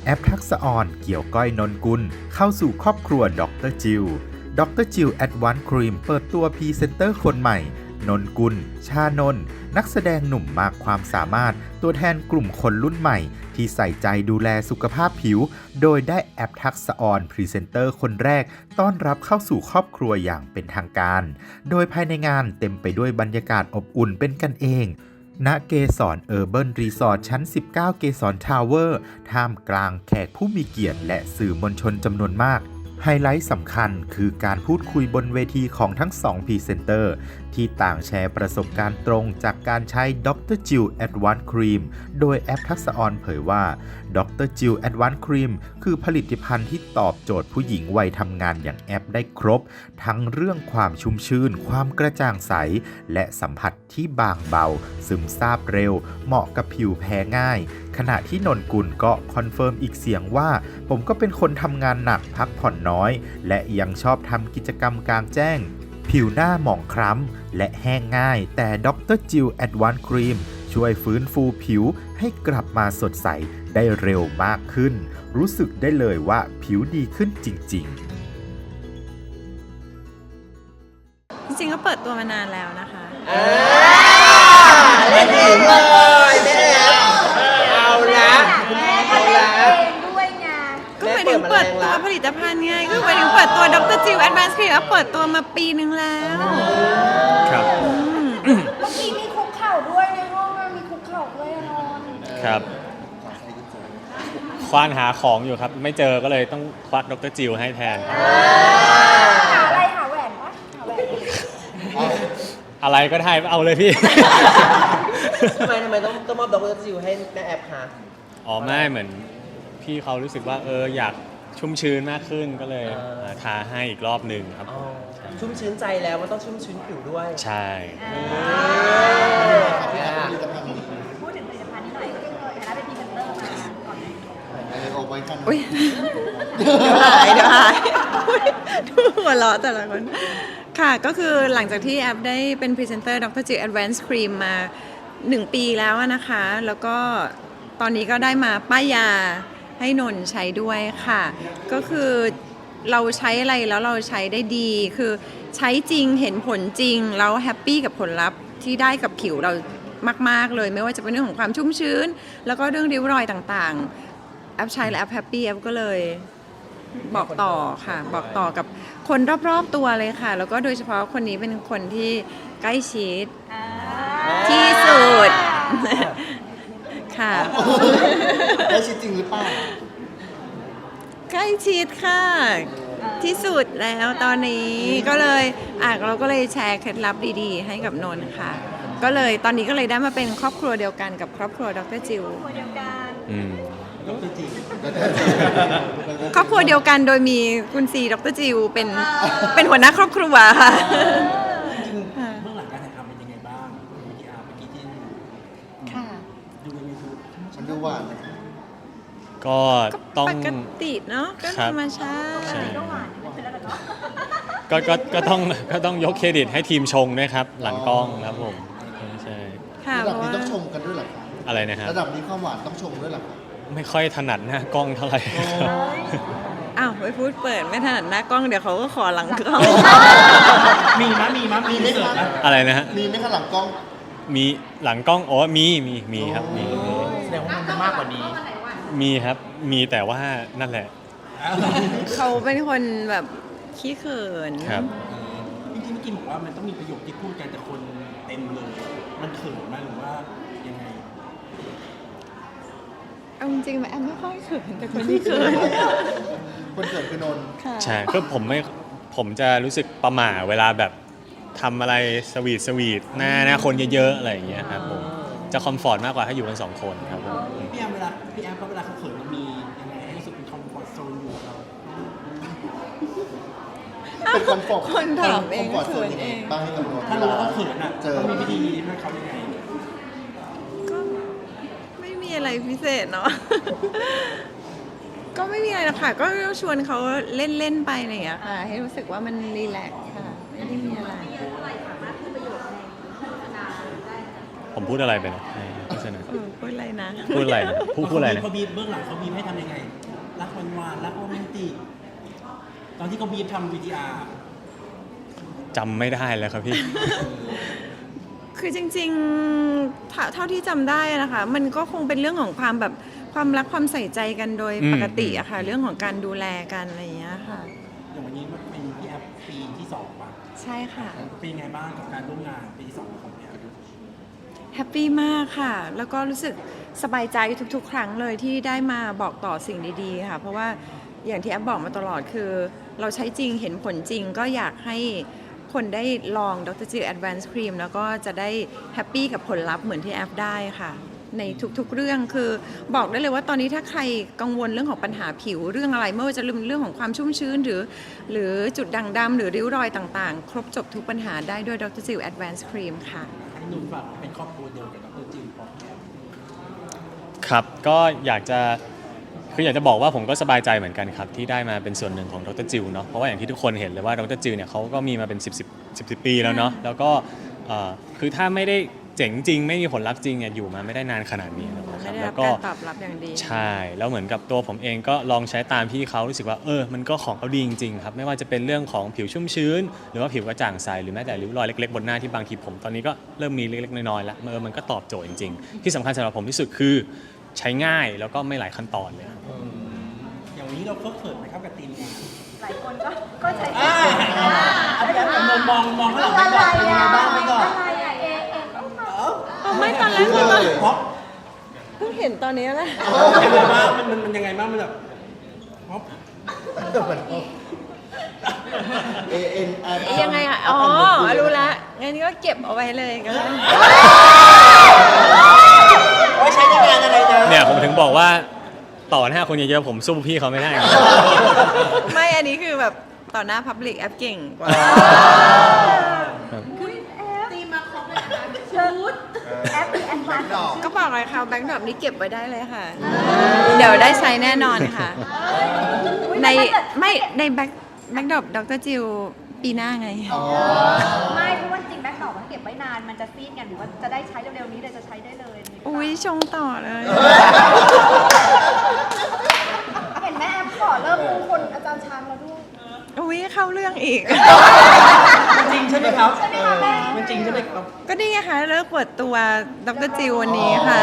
แอปทักษะออนเกี่ยวก้อยนนกุลเข้าสู่ครอบครัวดรจิลดรจิลแอดวานซ์ครีมเปิดตัวพรีเซนเตอร์คนใหม่นนกุลชานนท์นักแสดงหนุ่มมากความสามารถตัวแทนกลุ่มคนรุ่นใหม่ที่ใส่ใจดูแลสุขภาพผิวโดยได้แอปทักษะออนพรีเซนเตอร์คนแรกต้อนรับเข้าสู่ครอบครัวอย่างเป็นทางการโดยภายในงานเต็มไปด้วยบรรยากาศอบอุ่นเป็นกันเองณเกสรเออร์เบิร์นรีสอร์ทชั้น 19 เกสรทาวเวอร์ท่ามกลางแขกผู้มีเกียรติและสื่อมวลชนจำนวนมากไฮไลท์สำคัญคือการพูดคุยบนเวทีของทั้ง2พรีเซนเตอร์ที่ต่างแชร์ประสบการณ์ตรงจากการใช้ดรจิลแอดวานซ์ครีมโดยแอปทักษะออนเผยว่าดรจิลแอดวานซ์ครีมคือผลิตภัณฑ์ที่ตอบโจทย์ผู้หญิงวัยทำงานอย่างแอปได้ครบทั้งเรื่องความชุ่มชื่นความกระจ่างใสและสัมผัสที่บางเบาซึมซาบเร็วเหมาะกับผิวแพ้ง่ายขณะที่นนกุลก็คอนเฟิร์มอีกเสียงว่าผมก็เป็นคนทำงานหนักพักผ่อนน้อยและยังชอบทำกิจกรรมกลางแจ้งผิวหน้าหมองคล้ำและแห้งง่ายแต่ดรจิลแอดวานซ์ครีมช่วยฟื้นฟูผิวให้กลับมาสดใสได้เร็วมากขึ้นรู้สึกได้เลยว่าผิวดีขึ้นจริงจริงๆก็เปิดตัวมานานแล้วนะคะเล่นเองเลยแม่เอาละเอาละด้วยไงก็หมายถึงเปิดตัวผลิตภัณฑ์ไงก็หมายถึงเปิดตัวดรจิลแอดวานซ์ครีมเปิดตัวมาปีนึงแล้วครับเมื่อกี้มีคุกเข่าด้วยในห้องมีคุกเข่าด้วยนอนครับควานหาของอยู่ครับไม่เจอก็เลยต้องควักดรจิลให้แทนหาอะไรหาแหวนปะหาแหวนอะไรก็ได้เอาเลยพี่ทำไมต้องมอบดรจิลให้แม่แอปคะอ๋อไม่เหมือนพี่เขารู้สึกว่าอยากชุ่มชื้นมากขึ้นก็เลยทาให้อีกรอบหนึ่งครับชุ่มชื้นใจแล้วมันต้องชุ่มชื้นผิวด้วยใช่พูดถึงผลิตภัณฑ์นี้หน่อยฐานะเป็นพรีเซนเตอร์มาก่อนไหมอุ้ยเดี๋ยวหายดูหัวเราะแต่ละคนค่ะก็คือหลังจากที่แอปได้เป็นพรีเซนเตอร์ดรจิลแอดวานซ์ครีมมา1 ปีแล้วนะคะแล้วก็ตอนนี้ก็ได้มาป้ายยาให้นนใช้ด้วยค่ะก็คือเราใช้อะไรแล้วเราใช้ได้ดีคือใช้จริงเห็นผลจริงแล้วแฮปปี้กับผลลัพธ์ที่ได้กับผิวเรามากๆเลยไม่ว่าจะเป็นเรื่องของความชุ่มชื้นแล้วก็เรื่องริ้วรอยต่างๆแอปใช้และแอปแฮปปี้แอปก็เลยบอกต่อค่ะบอกต่อกับคนรอบๆตัวเลยค่ะแล้วก็โดยเฉพาะคนนี้เป็นคนที่ใกล้ชิดที่สุดค่ะใกล้ชิดจริงหรือเปล่าใกล้ชิดค่ะที่สุดแล้วตอนนี้ก็เลยเราก็เลยแชร์เคล็ดลับดีๆให้กับนนท์ค่ะก็เลยตอนนี้ก็เลยได้มาเป็นครอบครัวเดียวกันกับครอบครัวดรจิลครอบครัวเดียวกันโดยมีคุณซีดรจิลเป็นหัวหน้าครอบครัวค่ะเบื้องหลังการถ่ายทำเป็นยังไงบ้างเมื่อกี้ที่ค่ะดูในยูทูบมันดูหวานก็ต้องปกติเนาะก็ธรรมชาติก็ต้องยกเครดิตให้ทีมชงด้วยครับหลังกล้องครับผมใช่ระดับนี้ต้องชงกันด้วยหรออะไรนะฮะระดับนี้ความหวานต้องชงด้วยหรอไม่ค่อยถนัดหน้ากล้องเท่าไหร่ไปพูดเปิดไม่ถนัดหน้ากล้องเดี๋ยวเขาก็ขอหลังกล้องมีไหมคะอะไรนะฮะมีไหมคะหลังกล้องมีหลังกล้องมีครับมีแสดงว่ามันมากกว่านี้มีครับมีแต่ว่านั่นแหละเขาเป็นคนแบบขี้เขินครับจริงๆเมื่อกี้บอกว่ามันต้องมีประโยคที่พูดกันแต่คนเต็มเลยมันเขินไหมหรือว่ายังไงเอาจริงๆแอมไม่ค่อยเขินแต่คนที่เขินคนเขินคือนนท์ใช่ก็ผมจะรู้สึกประหม่าเวลาแบบทำอะไรสวีทหน้าคนเยอะๆอะไรอย่างเงี้ยครับผมจะคอมฟอร์ตมากกว่าถ้าอยู่กัน2 คนครับผมพี่แอมเวลาเขาเขินมันมียังไงให้รู้สึกเป็นคอมฟอร์ตโซนอยู่เราเป็นคอมฟอร์ตคนถามเองเขินเองบ้างให้กับนนท์ถ้ารู้ว่าเขินต้องมีวิธีให้เขายังไงก็ไม่มีอะไรพิเศษเนาะก็ไม่มีอะไรหรอกค่ะก็ชวนเขาเล่นๆไปอะไรอย่างเงี้ยค่ะให้รู้สึกว่ามันรีแลกซ์ค่ะไม่ได้มีอะไรผมพูดอะไรไปนะในโฆษณาพูดอะไรนะพูดอะไรนะพูดอะไรนะเขาบีบเบื้องหลังเขาบีบให้ทำยังไง รักหวานๆรักโรแมนติกตอนที่เขาบีบทำ VTR จำไม่ได้แล้วครับพี่คือจริงๆเท่าที่จำได้นะคะ มันก็คงเป็นเรื่องของความแบบความรักความใส่ใจกันโดยปกติอะค่ะ เรื่องของการดูแลกันอะไรอย่างเงี้ยค่ะอย่างวันนี้มันเป็นพี่แอฟปีที่2ป่ะใช่ค่ะเป็นยังไงบ้างกับการร่วมงานปีที่2ของพี่แอฟแฮปปี้มากค่ะ แล้วก็รู้สึกสบายใจทุกๆ ครั้งเลยที่ได้มาบอกต่อสิ่งดีๆค่ะ เพราะว่าอย่างที่แอฟบอกมาตลอดคือ เราใช้จริงเห็นผลจริงก็อยากให้คนได้ลอง Dr. Jill Advanced Cream แล้วก็จะได้แฮปปี้กับผลลัพธ์เหมือนที่แอฟได้ค่ะ ในทุกๆเรื่องคือบอกได้เลยว่าตอนนี้ถ้าใครกังวลเรื่องของปัญหาผิวเรื่องอะไรไม่ว่าจะเรื่องของความชุ่มชื้นหรือจุดด่างดำหรือริ้วรอยต่างๆ ครบจบทุกปัญหาได้ด้วย Dr. Jill Advanced Cream ค่ะให้หนุ่มฝากเป็นครอบครัวเดียวกับดรจิมพอแอฟครับก็อยากจะบอกว่าผมก็สบายใจเหมือนกันครับที่ได้มาเป็นส่วนหนึ่งของดรจิลเนาะเพราะว่าอย่างที่ทุกคนเห็นเลยว่าดรจิลเนี่ยเขาก็มีมาเป็น10 ปีแล้วเนาะแล้วก็คือถ้าไม่ได้เจ๋งจริงไม่มีผลลัพธ์จริงเนี่ยอยู่มาไม่ได้นานขนาดนี้นะคไม่รับได้แล้รับวก็การตอบรับอย่างดีใช่แล้วเหมือนกับตัวผมเองก็ลองใช้ตามพี่เขารู้สึกว่ามันก็ของเขาดีจริงๆครับไม่ว่าจะเป็นเรื่องของผิวชุ่มชื้น หรือว่าผิวกระจ่างใสหรือแม้แต่ริ้วรอยเล็กๆบนหน้าที่บางทีผมตอนนี้ก็เริ่มมีเล็กๆน้อยๆแล้วมันก็ตอบโจทย์จริงๆที่สำคัญสำหรับผมที่สุดคือใช้ง่ายแล้วก็ไม่หลายขั้นตอนเลยครับอย่างวันนี้เราเขินไหมครับกับทีมงานหลายคนก็ใช้เอาพี่แอฟมองข้างหลังไปก่อนเป็นยังไงบ้างไปก่อนอะไรอะเองก็มาไม่ตอนแรกคือแบบเพราะเพิ่งเห็นตอนนี้แหละยังไงบ้างมันยังไงบ้างมันแบบเพราะยังไงอ่ะ อ๋อ รู้ละงั้นก็เก็บเอาไว้เลยก็ได้ไว้ใช้ในงานอะไรนะเนี่ยผมถึงบอกว่าต่อหน้าคนเยอะๆผมสู้พี่เขาไม่ได้ครับไม่ อันนี้คือแบบต่อหน้า Public แอปเก่งกว่าคือแอปตีมาครบเลยนะชุดแอปเป็นแอดวานซ์ของก็บอกเลยค่ะแบงค์ดรอปนี้เก็บไว้ได้เลยค่ะ เดี๋ยวได้ใช้แน่นอนค่ะ ในในแบ็คดรอปดรจิลปีหน้าไงไม่เพราะว่าจริงแบ็คดอกมันเก็บไว้นานมันจะซีดไงหรือว่าจะได้ใช้เร็วๆนี้เลยจะใช้ได้เลยอุ้ยชงต่อเลยเห็นแม่แอปขอเริ่มมงคลอาจารย์ช้างแล้วด้วยอุ้ยเข้าเรื่องอีกจริงใช่ไหมครับใช่ไหมคะแม่มันจริงใช่ไหมครับก็นี่ไงคะเลิกเปิดตัวดรจิลวันนี้ค่ะ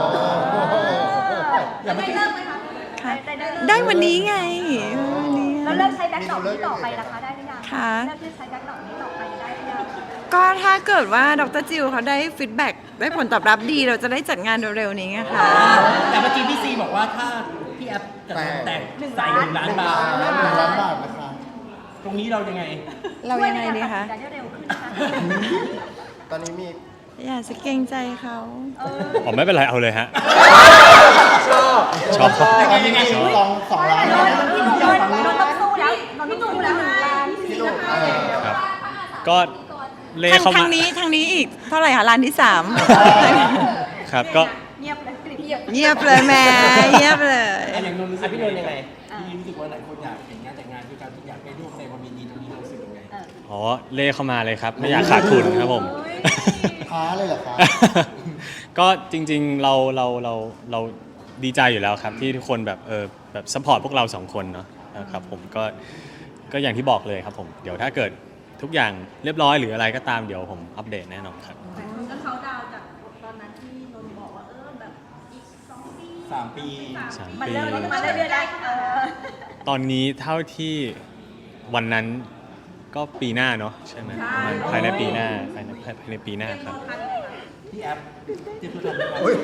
จะได้เริ่มไหมคะค่ะได้เริ่มได้วันนี้ไงวันนี้แล้วเลิกใช้แบ็คดอกนี้ต่อไปนะคะได้หรือยังค่ะเลิกที่ใช้แบ็คดอกนี้ต่อไปได้หรือยังก็ถ้าเกิดว่าดรจิลเขาได้ฟีดแบ็กได้ผลตอบรับดีเราจะได้จัดงานเร็วๆนี้ไงค่ะแต่เมื่อกี้พี่ซีบอกว่าถ้าพี่แอฟจะแต่งใส่1 ล้านบาท 1 ล้านบาทนะคะตรงนี้เรายังไงเรายังไงดีคะช่วยในการตัดสินใจได้เร็วขึ้นนะคะตอนนี้มีอย่าจะเกรงใจเขาผมไม่เป็นไรเอาเลยฮะชอบยังไง 2 ล้านพี่หนุ่มต้องสู้แล้วพี่หนุ่มแล้วพี่หนุ่มครับก็เลเข้าทามางนี้อีกเท่าไหร่คะร้านที่3 ครับก็เงียบเลยเงียบเงียบเลยแม่เงียบเลยอย่างนนท์รู้สึกพี่นนท์ยังไงพี่รู้สึกว่าหลายคนอยากเห็นงานแต่งงานด้วยกันอยากไปร่วมแสดงความยินดีตรงนี้เรารู้สึกยังไงอ๋อเล่เข้ามาเลยครับ ไม่อยากขาดทุนครับผมท้าเลยเหรอคะก็จริงๆเราดีใจอยู่แล้วครับที่ทุกคนแบบซัพพอร์ตพวกเราสองคนเนาะนะครับผมก็อย่างที่บอกเลยครับผมเดี๋ยวถ้าเกิดทุกอย่างเรียบร้อยหรืออะไรก็ตามเดี๋ยวผมอัปเดตแน่นอนครับแล้วเขาดาวจากตอนนั้นที่นนท์บอกว่าแบบอีก2 ปี 3 ปี 3 มันปีเริ่มมาเรื่อยๆได้ตอนนี้เท่าที่วันนั้นก็ปีหน้าเนาะใช่ไหมประมาณภายในปีหน้าภายในปีหน้าครับพี่แอฟเตรียมตัวทันไหมครับโอ้ย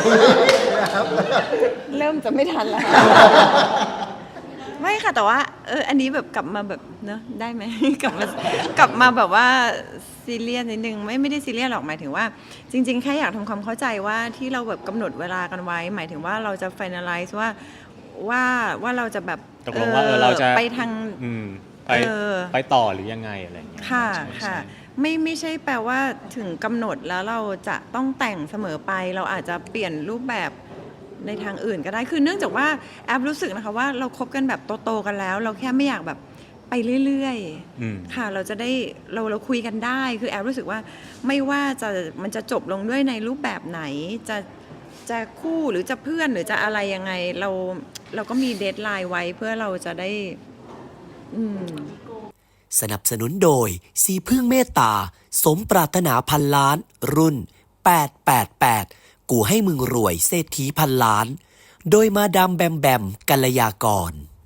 เริ่มจะไม่ทันแล้ว ไม่ค่ะแต่ว่าอันนี้แบบกลับมาแบบเนอะได้ไหม กลับมาแบบว่าซีเรียสนิดนึงไม่ได้ซีเรียสหรอกหมายถึงว่า จริง ๆแค่อยากทำความเข้าใจว่าที่เราแบบกำหนดเวลากันไว้ หมายถึงว่าเราจะ finalize ว่าเราจะแบบตกลงว่าเราจะไปทางไปต่อหรือยังไงอะไรอย่างเงี้ยค่ะใช่ค่ะใช่ไม่ใช่แปลว่าถึงกำหนดแล้วเราจะต้องแต่งเสมอไป เราอาจจะเปลี่ยนรูปแบบในทางอื่นก็ได้คือเนื่องจากว่าแอปรู้สึกนะคะว่าเราคบกันแบบโตๆกันแล้ว เราแค่ไม่อยากแบบไปเรื่อยอืมๆค่ะเราจะได้เราคุยกันได้คือแอบรู้สึกว่าไม่ว่ามันจะจบลงด้วยในรูปแบบไหนจะคู่หรือจะเพื่อนหรือจะอะไรยังไงเราก็มีเดดไลน์ไว้เพื่อเราจะได้สนับสนุนโดยสีพึ่งเมตตา สมปรารถนาพันล้าน รุ่น 888 กูให้มึงรวยเศรษฐีพันล้าน โดยมาดามแบมแบมกัลยากร